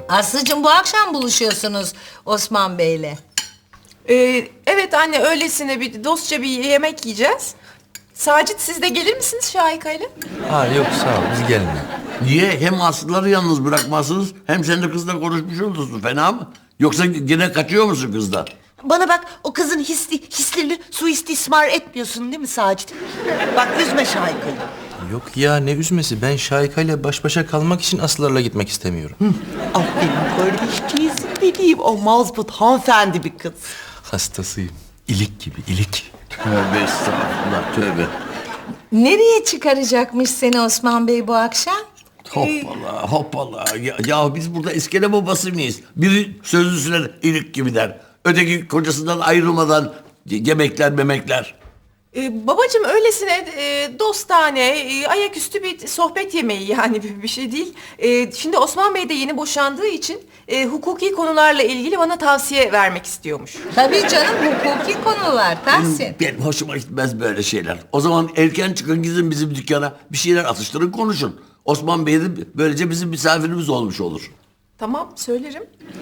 Aslıcığım bu akşam buluşuyorsunuz Osman Bey'le. Evet anne, öylesine bir dostça bir yemek yiyeceğiz. Sacit, siz de gelir misiniz Şahika'yla? Ha yok sağ ol biz gelmiyor. Niye? Hem Aslıları yalnız bırakmazsınız hem sen de kızla konuşmuş olursun. Fena mı? Yoksa gene kaçıyor musun kızdan? Bana bak, o kızın hislerini suistismar etmiyorsun değil mi Sacit? Bak, üzme Şahika'yı. Yok ya ne üzmesi, ben Şahika ile baş başa kalmak için Aslılarla gitmek istemiyorum. Aferin kardeşciğizim benim. O mazbut hanımefendi bir kız. Hastasıyım. İlik gibi ilik. Tövbe estağfurullah, tövbe. Nereye çıkaracakmış seni Osman Bey bu akşam? Hoppala hoppala. Ya biz burada iskele babası mıyız? Biri sözlüsüne ilik gibi der. Öteki kocasından ayrılmadan yemekler memekler. Babacığım, öylesine dostane, ayaküstü bir sohbet yemeği, yani bir şey değil. Şimdi Osman Bey de yeni boşandığı için hukuki konularla ilgili bana tavsiye vermek istiyormuş. Tabii canım, hukuki konular Tahsin. Benim hoşuma gitmez böyle şeyler. O zaman erken çıkın, gidin bizim dükkana. Bir şeyler atıştırın, konuşun. Osman Bey de böylece bizim misafirimiz olmuş olur. Tamam, söylerim.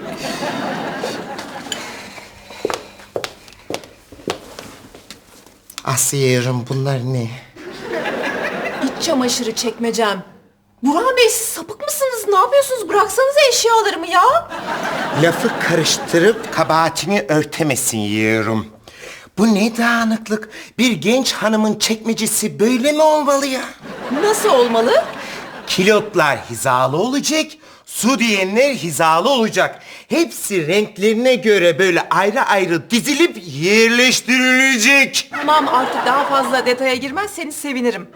Asiye'rim, bunlar ne? İç çamaşırı çekmecem. Burhan Bey, siz sapık mısınız? Ne yapıyorsunuz? Bıraksanıza eşyalarımı ya. Lafı karıştırıp kabahatini örtemesin yiyorum. Bu ne dağınıklık? Bir genç hanımın çekmecesi böyle mi olmalı ya? Nasıl olmalı? Kilotlar hizalı olacak, su diyenler hizalı olacak. Hepsi renklerine göre böyle ayrı ayrı dizilip yerleştirilecek. Tamam, artık daha fazla detaya girmezseniz sevinirim.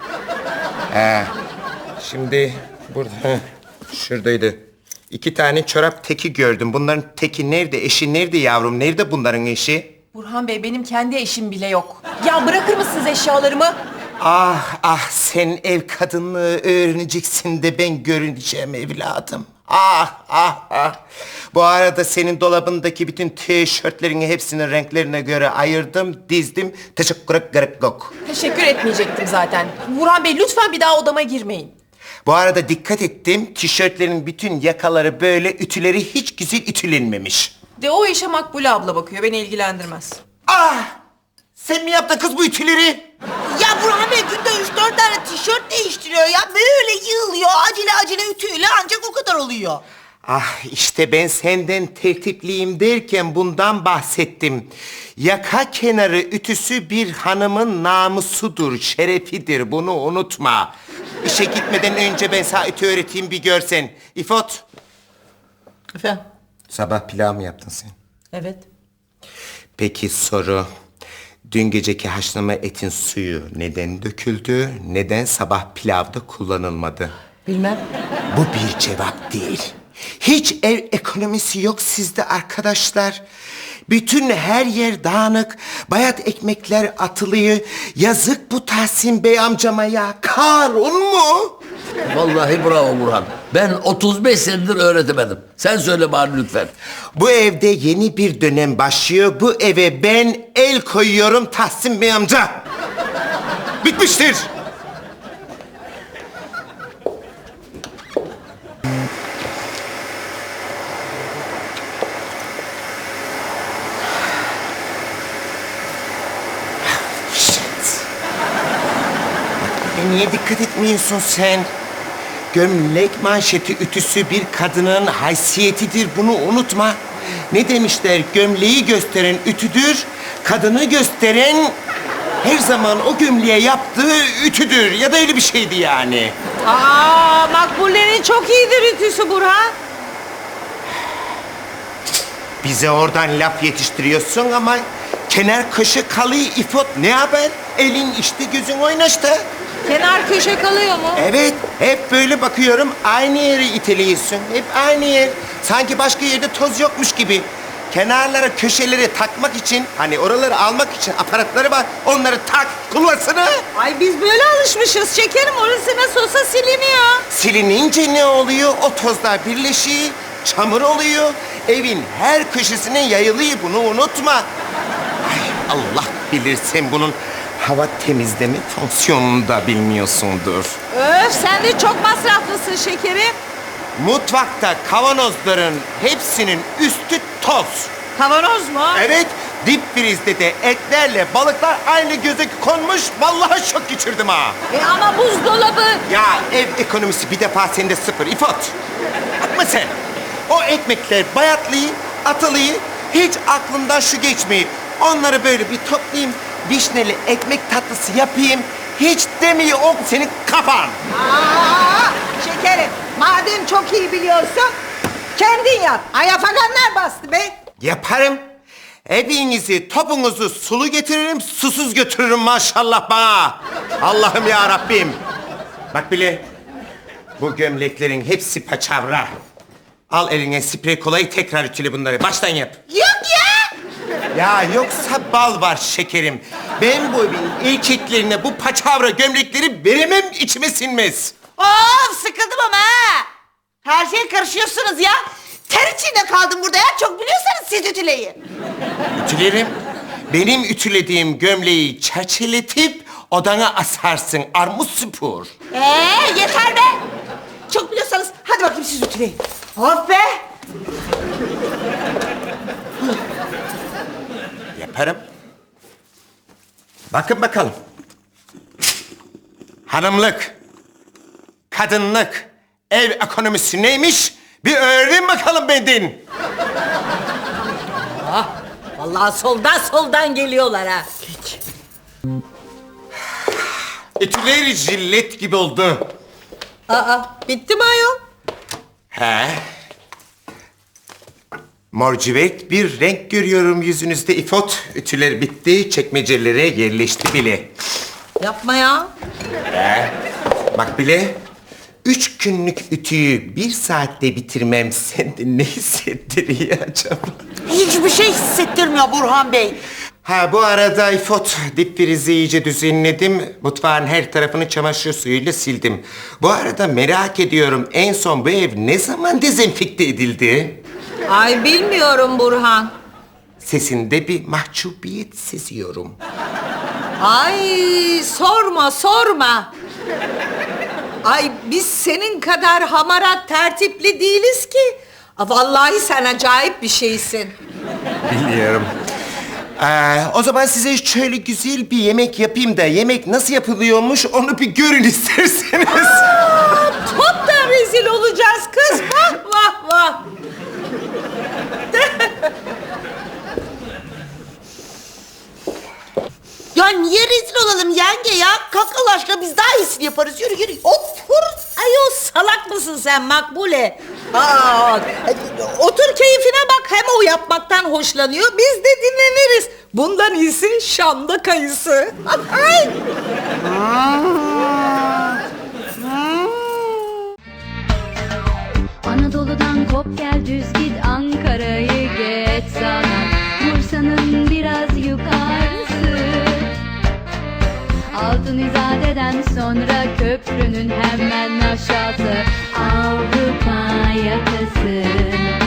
Şimdi burada, şuradaydı. 2 tane çorap teki gördüm. Bunların teki nerede, eşi nerede yavrum? Nerede bunların eşi? Burhan Bey, benim kendi eşim bile yok. Ya bırakır mısınız eşyalarımı? Ah ah, sen ev kadınlığı öğreneceksin de ben görüneceğim evladım. Ah ah ah. Bu arada senin dolabındaki bütün tişörtlerini hepsinin renklerine göre ayırdım, dizdim. Teşekkür ederim. Teşekkür etmeyecektim zaten. Burhan Bey, lütfen bir daha odama girmeyin. Bu arada dikkat ettim, tişörtlerin bütün yakaları böyle, ütüleri hiç güzel ütülenmemiş. De o işe Makbule abla bakıyor, beni ilgilendirmez. Ah! Sen mi yaptın kız bu ütüleri? Ya Burhan Bey günde 3-4 tane tişört değiştiriyor ya. Böyle yığılıyor, acele acele ütüyle ancak o kadar oluyor. Ah işte ben senden tertipliyim derken bundan bahsettim. Yaka kenarı ütüsü bir hanımın namusudur, şerefidir. Bunu unutma. İşe gitmeden önce ben sana ütü öğreteyim, bir görsen. İfot. Efendim? Sabah pilav mı yaptın sen? Evet. Peki soru. Dün geceki haşlama etin suyu neden döküldü? Neden sabah pilavda kullanılmadı? Bilmem. Bu bir cevap değil. Hiç ev ekonomisi yok sizde arkadaşlar. Bütün her yer dağınık. Bayat ekmekler atılıyor. Yazık bu Tahsin Bey amcama ya. Karun mu? Vallahi bravo Burhan. Ben 35 senedir öğretemedim. Sen söyle bari lütfen. Bu evde yeni bir dönem başlıyor. Bu eve ben el koyuyorum Tahsin Bey amca. Bitmiştir. Niye dikkat etmiyorsun sen? Gömlek manşeti ütüsü bir kadının haysiyetidir, bunu unutma. Ne demişler? Gömleği gösteren ütüdür, kadını gösteren her zaman o gömleğe yaptığı ütüdür. Ya da öyle bir şeydi yani. Aa, Makbule'nin çok iyidir ütüsü Burhan. Bize oradan laf yetiştiriyorsun ama kenar köşe kalıyor İfot. Ne haber? Elin işte, gözün oynaştı. Kenar köşe kalıyor mu? Evet, hep böyle bakıyorum, aynı yeri iteliyorsun. Hep aynı yer. Sanki başka yerde toz yokmuş gibi. Kenarlara, köşeleri takmak için, hani oraları almak için aparatları var. Onları tak, kullansana. Ay biz böyle alışmışız şekerim, orası nasıl olsa siliniyor. Silinince ne oluyor? O tozlar birleşiyor, çamur oluyor. Evin her köşesine yayılıyor, bunu unutma. Ay Allah bilir, sen bunun hava temizleme fonksiyonunu da bilmiyorsundur. Öf, sen de çok masraflısın şekerim. Mutfakta kavanozların hepsinin üstü toz. Kavanoz mu? Evet, dip frizde de etlerle balıklar aynı göze konmuş. Vallahi şok geçirdim ha. Ama buzdolabı. Ya ev ekonomisi bir defa sende sıfır İfot. Bakma sen. O ekmekler bayatlıyı, atılıyı hiç aklımdan şu geçmeyi. Onları böyle bir toplayayım, vişneli ekmek tatlısı yapayım. Hiç demiyor o senin kafan. Şekerim, madem çok iyi biliyorsun, kendin yap. Ayafaganlar bastı be. Yaparım. Evinizi, topunuzu sulu getiririm, susuz götürürüm maşallah bana. Allah'ım ya Rabbim. Bak bile, bu gömleklerin hepsi paçavra. Al eline sprey kolayı tekrar ütüle bunları. Baştan yap. Yok ya. Ya yoksa bal var şekerim. Ben bu evin erkeklerine bu paçavra gömlekleri veremem, içime sinmez. Of sıkıldım ama ha. Her şeye karışıyorsunuz ya. Ter içinde kaldım burada ya. Çok biliyorsanız siz ütüleyin. Ütülerim. Benim ütülediğim gömleği çerçeletip odana asarsın. Armut süpür. Yeter be. Çok biliyorsanız hadi bakayım siz ütüleyin. Of be. Yaparım. Bakın bakalım. Hanımlık, kadınlık, ev ekonomisi neymiş? Bir öğrenin bakalım benden. Vallahi soldan geliyorlar ha. Ütüler jillet gibi oldu. Bitti mi ayol? He. Morcivet bir renk görüyorum yüzünüzde İfot. Ütüler bitti, çekmecelere yerleşti bile. Yapma ya. Bak bile, 3 günlük ütüyü 1 saatte bitirmem sende ne hissettiriyor acaba? Hiçbir şey hissettirmiyor Burhan Bey. Ha bu arada İfot, dip frizi iyice düzenledim. Mutfağın her tarafını çamaşır suyuyla sildim. Bu arada merak ediyorum, en son bu ev ne zaman dezenfekte edildi? Ay bilmiyorum Burhan. Sesinde bir mahcubiyet seziyorum. Ay sorma. Ay biz senin kadar hamarat tertipli değiliz ki. Vallahi sen acayip bir şeysin. Biliyorum. O zaman size şöyle güzel bir yemek yapayım da yemek nasıl yapılıyormuş onu bir görün isterseniz. Toptan rezil olacağız kız. Vah. Ya niye rezil olalım yenge ya? Kalk Allah aşkına biz daha iyisini yaparız. Yürü. Otur. Ayol salak mısın sen Makbule? Otur keyfine bak. Hem o yapmaktan hoşlanıyor. Biz de dinleniriz. Bundan iyisi Şam'da kayısı. Ay. Anadolu'dan kop gel düz git Ankara'yı geç sana Bursa'nın biraz yukarısı Altın İzade'den sonra köprünün hemen aşağısı Avrupa yakası